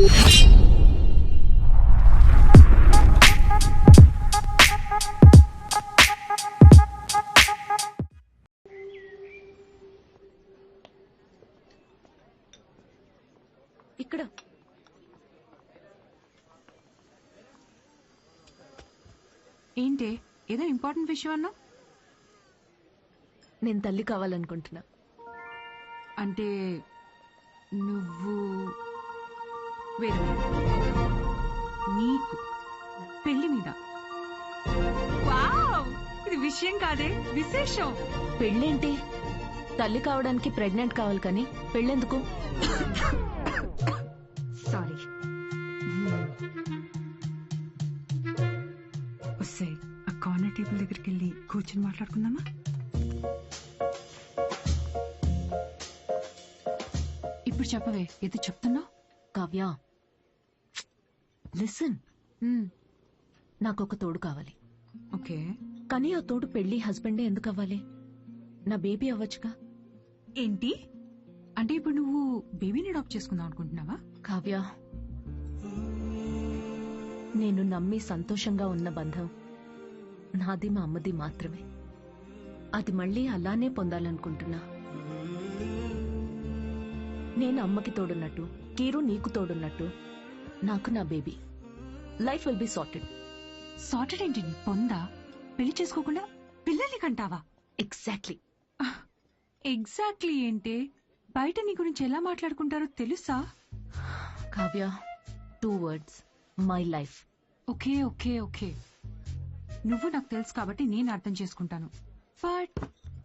ఇక్కడ ఏంటి ఏదో ఇంపార్టెంట్ విషయం అన్నా? నేను తల్లి కావాలనుకుంటున్నా. అంటే నువ్వు వేరే నీకు పెళ్లి మీద? వావ్, ఇది విషయం కాదే, విశేషం. పెళ్ళేంటి? తల్లి కావడానికి ప్రెగ్నెంట్ కావాలి కానీ పెళ్ళెందుకు? సారీ. వస్తాయి ఆ కార్నర్ టేబుల్ దగ్గరికి వెళ్ళి కూర్చొని మాట్లాడుకుందామా? ఇప్పుడు చెప్పవే, ఏదో చెప్తున్నావు. కావ్య, లిసన్. నాకు ఒక తోడు కావాలి. ఓకే, కానీ ఆ తోడు పెళ్లి హస్బెండే ఎందుకు అవ్వాలి? నా బేబీ అవ్వచ్చుగా. ఏంటి అంటే ఇప్పుడు నువ్వు బేబీని అడాప్ట్ చేసుకుందాం అనుకుంటున్నావా? కావ్య, నేను నమ్మి సంతోషంగా ఉన్న బంధం నాది మా అమ్మది మాత్రమే. అది మళ్ళీ అలానే పొందాలనుకుంటున్నా. నేను అమ్మకి తోడున్నట్టు, కీరు నీకు తోడున్నట్టు, నాకు నా baby. Life will be sorted. Sorted ఏంటి నీ పొందా? పెళ్లి చేసుకోకుండా పిల్లల్ని కంటావా? ఎగ్జాక్ట్లీ. ఎగ్జాక్ట్లీ ఏంటి? బయట నీ గురించి ఎలా మాట్లాడుకుంటారో తెలుసా? Kavya, 2 words, my life. Okay okay okay, నువ్వు నాకు తెలుసు కాబట్టి నేను అర్థం చేసుకుంటాను. బట్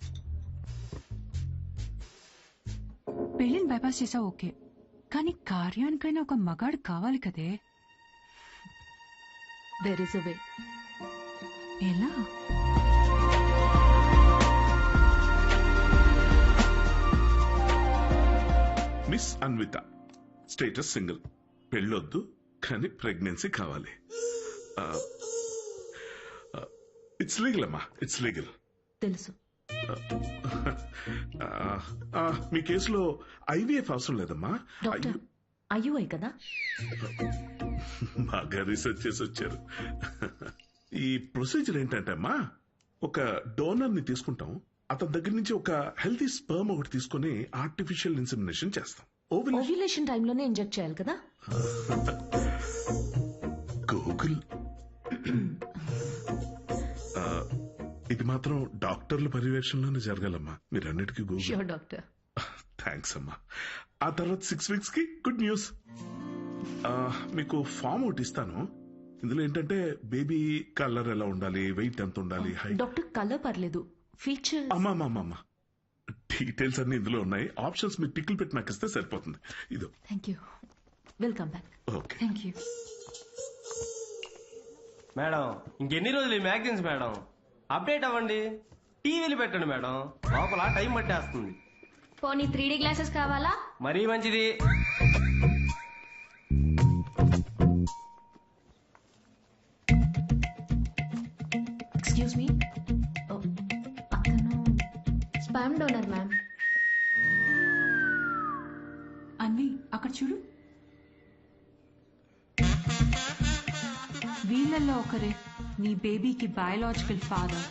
పెళ్లిని బైపాస్ చేసావు ఓకే, కానీ కార్యానికైనా ఒక మగాడు కావాలి కదే. There is a way. ఎలా? మిస్ అన్విత, స్టేటస్ సింగిల్, పెళ్ళొద్దు కానీ ప్రెగ్నెన్సీ కావాలి. ఇట్స్ లీగల్ అమ్మా, ఇట్స్ లీగల్. తెలుసు. మీ కేసులో ఐవీఎఫ్ అవసరం లేదమ్మా. డాక్టర్, అయ్యూఐ కదా? బాగా రీసెర్చ్ చేసి వచ్చారు. ఈ ప్రొసీజర్ ఏంటంటే అమ్మా, ఒక డోనర్ ని తీసుకుంటాం, అతని దగ్గర నుంచి ఒక హెల్తీ స్పర్మ్ ఒకటి తీసుకుని ఆర్టిఫిషియల్ ఇన్సెమినేషన్ చేస్తాం. ఓవ్యులేషన్ టైంలోనే ఇంజెక్ట్ చేయాలి కదా? గూగుల్. ఇది మాత్రం డాక్టర్ల పర్యవేక్షణలోనే జరగాలమ్మా. మీరన్నిటికీ గూగుల్. Sure doctor. థ్యాంక్స్ అమ్మా. ఆ తర్వాత 6 weeks కి గుడ్ న్యూస్. మీకు ఫామ్ ఒకటి ఇస్తాను. ఇందులో ఏంటంటే బేబీ కలర్ ఎలా ఉండాలి, వెయిట్ ఎంత ఉండాలి, హైట్. డాక్టర్, కలర్ పర్లేదు, ఫీచర్. అమ్మా డీటెయిల్స్ అన్ని ఇందులో ఉన్నాయి. ఆప్షన్స్ మీరు టిక్లు పెట్టి నాకు ఇస్తే సరిపోతుంది. ఇదో. Thank you. Welcome back. Okay. Thank you madam. ఇంకెన్ని రోజులు ఈ మ్యాగజైన్స్ మేడం? అప్డేట్ అవ్వండి, టీవీలు పెట్టండి మేడం, లోపల టైం పట్టేస్తుంది. పోనీ 3D గ్లాసెస్ కావాలా? మరీ మంచిది. ఎక్స్క్యూజ్ మీ, అతను స్పామ్ డోనర్ మ్యామ్. అన్వి, అక్కడ చూడు. వీళ్ళల్లో ఒకరే నీ బేబీకి బయాలజికల్ ఫాదర్.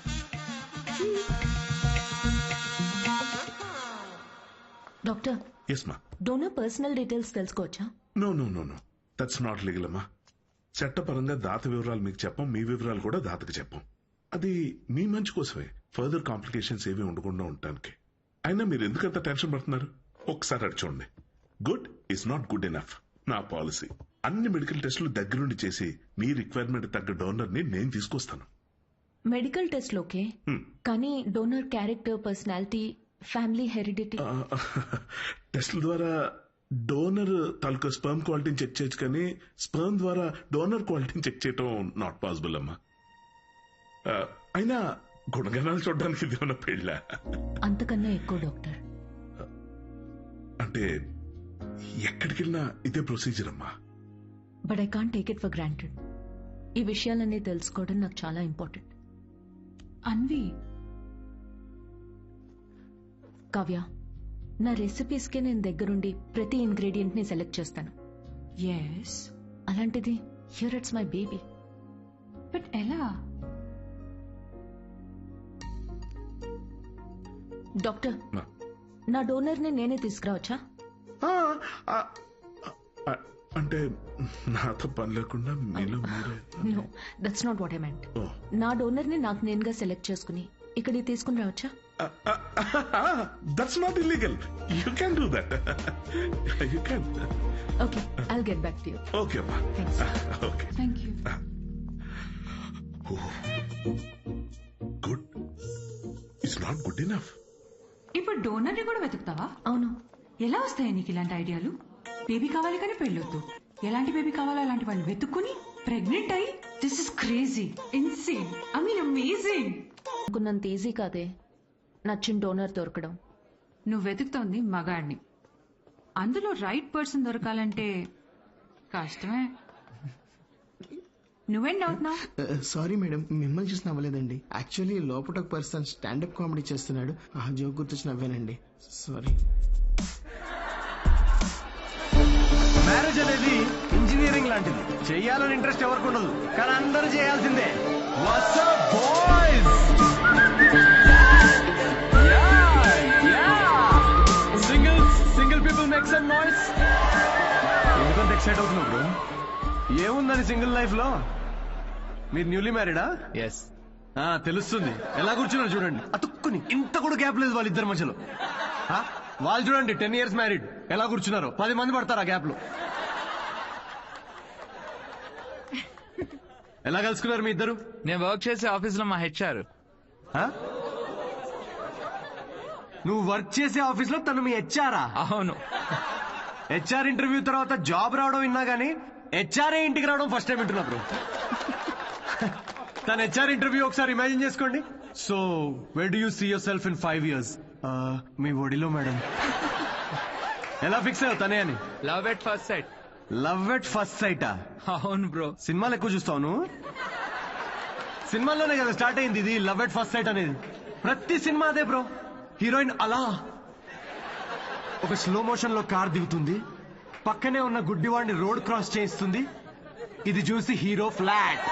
డాక్టర్, ఎస్ మా. డోనర్ పర్సనల్ డీటెయిల్స్ తెలుసుకోవచ్చా? నో దట్స్ నాట్ లీగల్ అమ్మా. చట్టపరంగా దాత వివరాలు మీకు చెప్పం, మీ వివరాలు కూడా దాతకు చెప్పం. అది మీ మంచి కోసమే, ఫర్దర్ కాంప్లికేషన్స్ ఏవి ఉండకుండా ఉండటానికి. అయినా మీరు ఎందుకంత టెన్షన్ పడుతున్నారు? ఒకసారి అడి చూడండి. Good is not good enough. నా పాలసీ అన్ని మెడికల్ టెస్టులు దగ్గరుండి చేసి మీ రిక్వైర్మెంట్ తగ్గ డోనర్ ని నేను తీసుకొస్తాను. మెడికల్ టెస్ట్ ఓకే, కానీ donor character, personality, family heredity. టెస్ట్ల ద్వారా డోనర్ తాలూకా స్పర్మ్ క్వాలిటీని చెక్ చేయొచ్చు, కానీ స్పర్మ్ ద్వారా డోనర్ క్వాలిటీని చెక్ చేయటం నాట్ పాసిబుల్ అమ్మా. అయినా గుణగణాలు చూడడానికి ఇది ఉన్న పెళ్ళ. అంతకన్నా ఎక్కువ డాక్టర్. అంటే ఎక్కడికి వెళ్ళినా ఇదే ప్రొసీజర్ అమ్మా. But I can't take it for granted. ఈ విషయాలన్నీ తెలుసుకోవడం నాకు చాలా ఇంపార్టెంట్. అన్వి, కావ్య, నా రెసిపీస్కే నేను దగ్గరుండి ప్రతి ఇంగ్రీడియంట్ ని సెలెక్ట్ చేస్తాను. ఎస్, అలాంటిది here it's my baby. But ఎలా? డాక్టర్, మా. నా డోనర్ ని నేనే తీసుకురావచ్చా? ఆ, ఆ, ఆ, అంటే నాతో పని లేకుండా మీలో మీరే. No, that's not what I meant. Oh. నా డోనర్ ని నాకు నేనుగా సెలెక్ట్ చేసుకుని ఇక్కడికి తీసుకుని రావచ్చా? That's not illegal. You can do that. You can. Okay, I'll get back to you. Okay అమ్మా. Thanks. Okay. Thank you. Good. It's not good enough. ఇప్పుడు డోనర్ ని కూడా వెతుకుతావా? అవును. ఎలా వస్తాయి నీకు ఇలాంటి ఐడియాలు? బేబీ కావాలి కానీ పెళ్ళొద్దు. ఎలాంటి బేబీ కావాలో అలాంటి వాళ్ళు వెతుక్కుని ప్రెగ్నెంట్ అయ్యి, this is crazy, insane, I mean amazing. అనుకున్నంత ఈజీ కాదే నచ్చిన డోనర్ దొరకడం. నువ్వు వెతుకుతోంది మగాడిని. అందులో రైట్ పర్సన్ దొరకాలంటే కష్టమే. నువ్వేం అవుతున్నావు? సారీ మేడం, మిమ్మల్ని చూసి నవ్వలేదండి. యాక్చువల్లీ లోపల ఒక పర్సన్ స్టాండప్ కామెడీ చేస్తున్నాడు, ఆ జోక్ గుర్తొచ్చి నవ్వానండి. సారీ. మ్యారేజ్ అనేది ఇంజనీరింగ్ లాంటిది. చెయ్యాలని ఇంట్రెస్ట్ ఎవరికి ఉండదు, కానీ అందరూ చేయాల్సిందే. What's up, boys? Single people make some noise. ఎందుకంత ఎక్సైట్ అవుతున్నావు బ్రో? ఏముందని సింగిల్ లైఫ్ లో? మీరు న్యూలీ మ్యారీడా? ఎస్. తెలుస్తుంది. ఎలా కూర్చున్నారు చూడండి, అతుక్కుని. ఇంత కూడా గ్యాప్ లేదు వాళ్ళిద్దరి మధ్యలో. వాళ్ళు చూడండి 10 years మ్యారీడ్, ఎలా కూర్చున్నారు. 10 మంది పడతారు ఆ గ్యాప్ లో. ఎలా కలుసుకున్నారు మీ ఇద్దరు? నేను వర్క్ చేసే ఆఫీస్ లో మా హెచ్ఆర్. నువ్వు వర్క్ చేసే ఆఫీస్ లో తను మీ హెచ్ఆరా? అవును. హెచ్ఆర్ ఇంటర్వ్యూ తర్వాత జాబ్ రావడం విన్నా గానీ హెచ్ఆర్ఏ ఇంటికి రావడం ఫస్ట్ టైం వింటున్నా బ్రో. తన హెచ్ఆర్ ఇంటర్వ్యూ ఒకసారి ఇమాజిన్ చేసుకోండి. So where do you see yourself in 5 years? మీ ఒడిలో మేడం. ఎలా ఫిక్స్ అయ్యావు తనే అని? Love at first sight. Love at first సైటా? అవును బ్రో. సినిమాలు ఎక్కువ చూస్తావు. సినిమాల్లోనే కదా స్టార్ట్ అయింది ఇది లవ్ ఎట్ ఫస్ట్ సైట్ అనేది. ప్రతి సినిమా అదే బ్రో. హీరోయిన్ అలా ఒక స్లో మోషన్ లో కార్ దిగుతుంది, పక్కనే ఉన్న గుడ్డివాడిని రోడ్ క్రాస్ చేయిస్తుంది. ఇది చూసి హీరో ఫ్లాట్.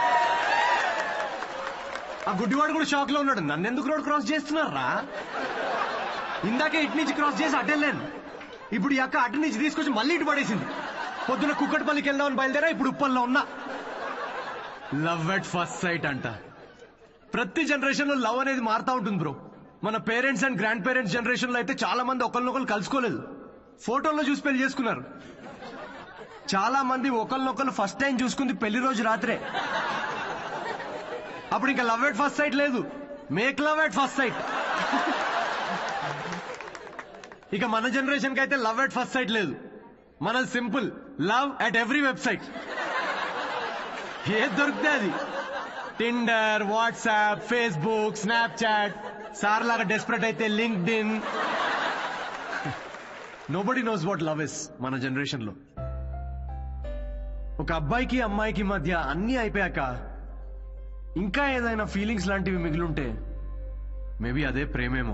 ఆ గుడ్డివాడు కూడా షాక్ లో ఉన్నాడు, నన్నెందుకు రోడ్ క్రాస్ చేస్తున్నారా? ఇందాకే ఇటు నుంచి క్రాస్ చేసి అటెళ్ళాను, ఇప్పుడు ఈ అక్క అటు నుంచి తీసుకొచ్చి మళ్ళీ ఇటు పడేసింది. పొద్దున కుక్కటిపల్లికి వెళ్దామని బయలుదేరా, ఇప్పుడు ఉప్పల్లో ఉన్నా. లవ్ ఎట్ ఫస్ట్ సైట్ అంట. ప్రతి జనరేషన్ లో లవ్ అనేది మారుతా ఉంటుంది బ్రో. మన parents and grandparents generation లో అయితే చాలా మంది ఒకరినొకరు కలుసుకోలేదు, ఫోటోల్లో చూసి పెళ్లి చేసుకున్నారు. చాలా మంది ఒకరినొకరు ఫస్ట్ టైం చూసుకుంది పెళ్లి రోజు రాత్రే. అప్పుడు ఇంకా లవ్ ఎట్ ఫస్ట్ సైట్ లేదు, make love at first sight. ఇక మన జనరేషన్ కి అయితే లవ్ ఎట్ ఫస్ట్ సైట్ లేదు, మన simple love at every website. ఏది దొరికితే అది. Tinder, WhatsApp, Facebook, Snapchat, sir లాగా డెస్పరేట్ అయితే LinkedIn. Nobody knows what love is మన జనరేషన్ లో. ఒక అబ్బాయికి అమ్మాయికి మధ్య అన్ని అయిపోయాక ఇంకా ఏదైనా ఫీలింగ్స్ లాంటివి మిగిలుంటే మేబీ అదే ప్రేమేమో.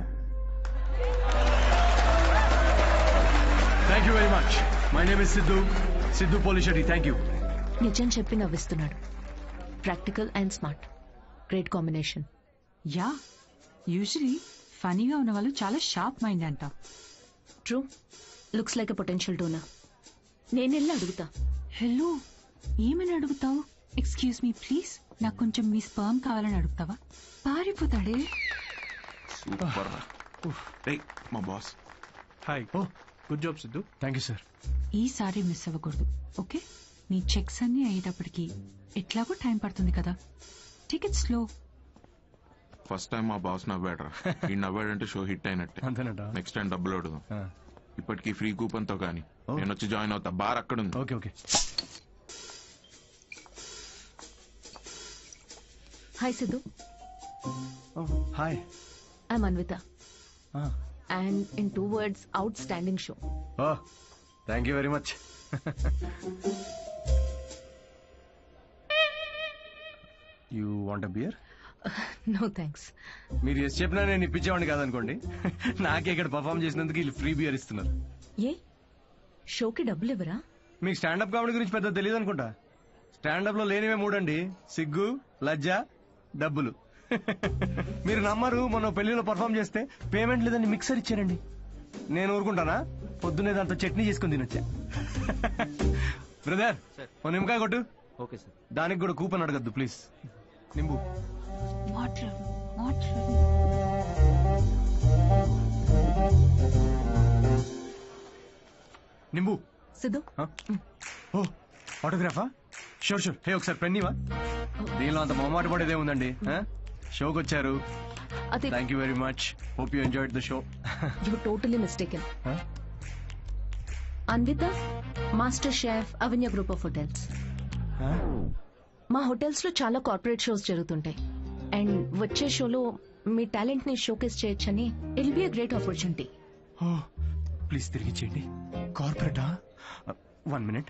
Thank you very much. My name is Siddhu Polishetty. Thank you. నిజం చెప్పి నవ్విస్తున్నాడు. Practical and smart, great combination. Yeah, usually ఫనీగా ఉన్న వాళ్ళు చాలా షార్ప్ మైండ్ అంట. True, looks like a potential donor. నేను వెళ్ళి అడుగుతా. హలో, ఏమని అడుగుతావు? ఎక్స్క్యూజ్ మీ ప్లీజ్, నాకు కొంచెం మీ స్పర్మ్ కావాలని అడుగుతావా? పారిపోతాడే. సూపర్. మా boss. Hi. Oh good job Siddhu. Thank you sir. ఈసారి మిస్ అవ్వకూడదు, ఓకే? నీ చెక్స్ అన్ని అయ్యేటప్పటికి ఎట్లాగో టైం పడుతుంది కదా, టికెట్ స్లో. ఫస్ట్ టైం మా బాస్ నవ్వాడరా. ఈ నవ్వాడంటే షో హిట్ అయినట్టే. అంతేనట. నెక్స్ట్ టైం డబ్బులు అడుగు. ఇప్పటికి ఫ్రీ కూపన్ తో కానీ నేను వచ్చి జాయిన్ అవుతా. బార్ అక్కడ ఉంది. Okay okay. Hi Siddhu, hi. I'm Anvitha. And in 2 words, outstanding show. Oh thank you very much. You want a beer? No thanks. మీరు ఎస్ చెప్పినా నేను ఇప్పించేవాడిని కాదనుకోండి. నాకే ఇక్కడ పర్ఫామ్ చేసినందుకు వీళ్ళు ఫ్రీ బియర్ ఇస్తున్నారు. ఏ షోకి డబ్బులు ఇవ్వరా? మీకు స్టాండప్ కామెడీ గురించి పెద్ద తెలియదు అనుకుంటా. స్టాండప్ లో లేనివే మూడండి: సిగ్గు, లజ్జ, డబ్బులు. మీరు నమ్మరు, మొన్న పెళ్లిలో పర్ఫామ్ చేస్తే పేమెంట్ లేదని మిక్సర్ ఇచ్చారండి. నేను ఊరుకుంటానా? పొద్దున్నే దాంతో చట్నీ చేసుకుని తినొచ్చా. బ్రదర్, ఓ నిమ్మకాయ కొట్టు. Okay sir. దానికి కూడా కూపన్ అడగద్దు ప్లీజ్. నింబు. నింబు. సిద్ధు ఓ ఆటోగ్రాఫా? Sure sure. హే ఒకసారి పెన్నీవా? దీనిలో అంత మొహమాట పడేదే ఉందండి. షోకి వచ్చారు. అది thank you very much. Hope you enjoyed the show. You totally mistaken. Anvitha, master chef, Avanya group of hotels. మా హోటల్స్ లో చాలా కార్పొరేట్ షోస్ జరుగుతుంటాయి. అండ్ వచ్చే షోలో మీ టాలెంట్ ని షోకేస్ చేయొచ్చని it be a great opportunity. Please తిరిగి చేయండి. కార్పొరేటా? 1 minute.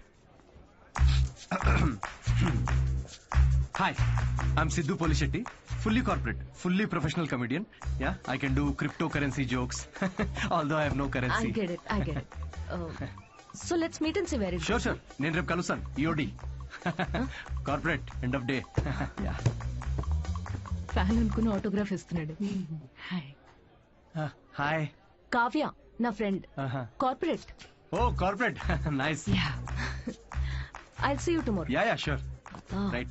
Hi, I'm Sidhu Polishetty, fully corporate, fully professional comedian. Yeah, I can do cryptocurrency jokes, although I have no currency. I get it. So let's meet and see where it goes. Sure. నేను రేపు కలుస్తాను. EOD. Corporate end of day. Fan అనుకుని autograph ఇస్తున్నాడు. Hi. Kavya నా friend. Corporate. Oh corporate. Nice. I'll see you tomorrow. Yeah sure. Right.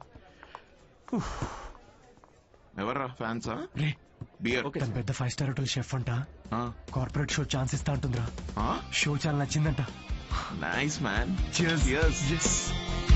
ఎవర్రా ఫ్యాన్సా? రే beer. తన పెద్ద 5-star హోటల్ షెఫ్ అంట. కార్పొరేట్ షో ఛాన్స్ ఇస్తా అంటుందిరా. షో చాలా నచ్చిందంట. Nice man. Cheers. Cheers. Yes.